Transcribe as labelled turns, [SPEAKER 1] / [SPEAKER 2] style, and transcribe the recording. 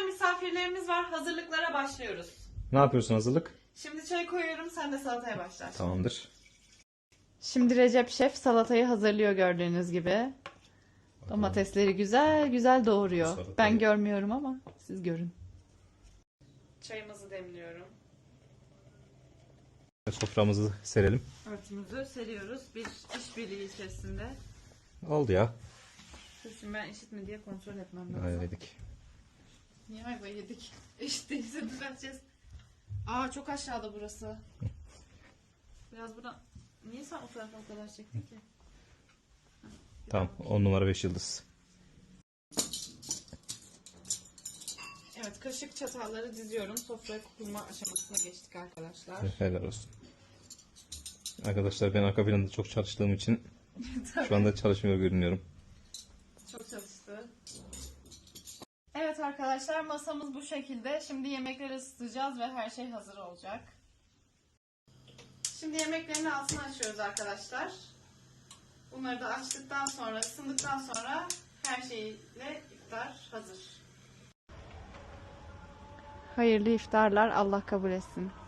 [SPEAKER 1] akşam misafirlerimiz var. Hazırlıklara başlıyoruz.
[SPEAKER 2] Ne yapıyorsun hazırlık?
[SPEAKER 1] Şimdi çay koyuyorum, sen de salataya başla.
[SPEAKER 2] Tamamdır.
[SPEAKER 1] Şimdi Recep Şef salatayı hazırlıyor gördüğünüz gibi. Domatesleri güzel güzel doğuruyor.
[SPEAKER 2] Salatayı-
[SPEAKER 1] Ben görmüyorum ama siz görün. Çayımızı demliyorum.
[SPEAKER 2] Soframızı serelim.
[SPEAKER 1] Örtümüzü seriyoruz. Bir işbirliği içerisinde.
[SPEAKER 2] Oldu ya.
[SPEAKER 1] Şimdi ben eşit mi diye kontrol etmem lazım.
[SPEAKER 2] Ayvedik.
[SPEAKER 1] Niye ayva yedik? Eşit değilse düzelteceğiz. Aa, çok aşağıda burası. Biraz buradan... Niye sen o tarafa o kadar çektin ki?
[SPEAKER 2] Tamam. 10 numara 5 yıldız.
[SPEAKER 1] Evet, kaşık çatalları diziyorum. Sofraya kurma aşamasına geçtik arkadaşlar.
[SPEAKER 2] Helal olsun. Arkadaşlar ben arka planda çok çalıştığım için şu anda çalışmıyor görünüyorum.
[SPEAKER 1] Çok çalıştı. Evet arkadaşlar, masamız bu şekilde. Şimdi yemekleri ısıtacağız ve her şey hazır olacak. Şimdi yemeklerin altını açıyoruz arkadaşlar. Bunları da açtıktan sonra, ısındıktan sonra her şeyle iftar hazır. Hayırlı iftarlar, Allah kabul etsin.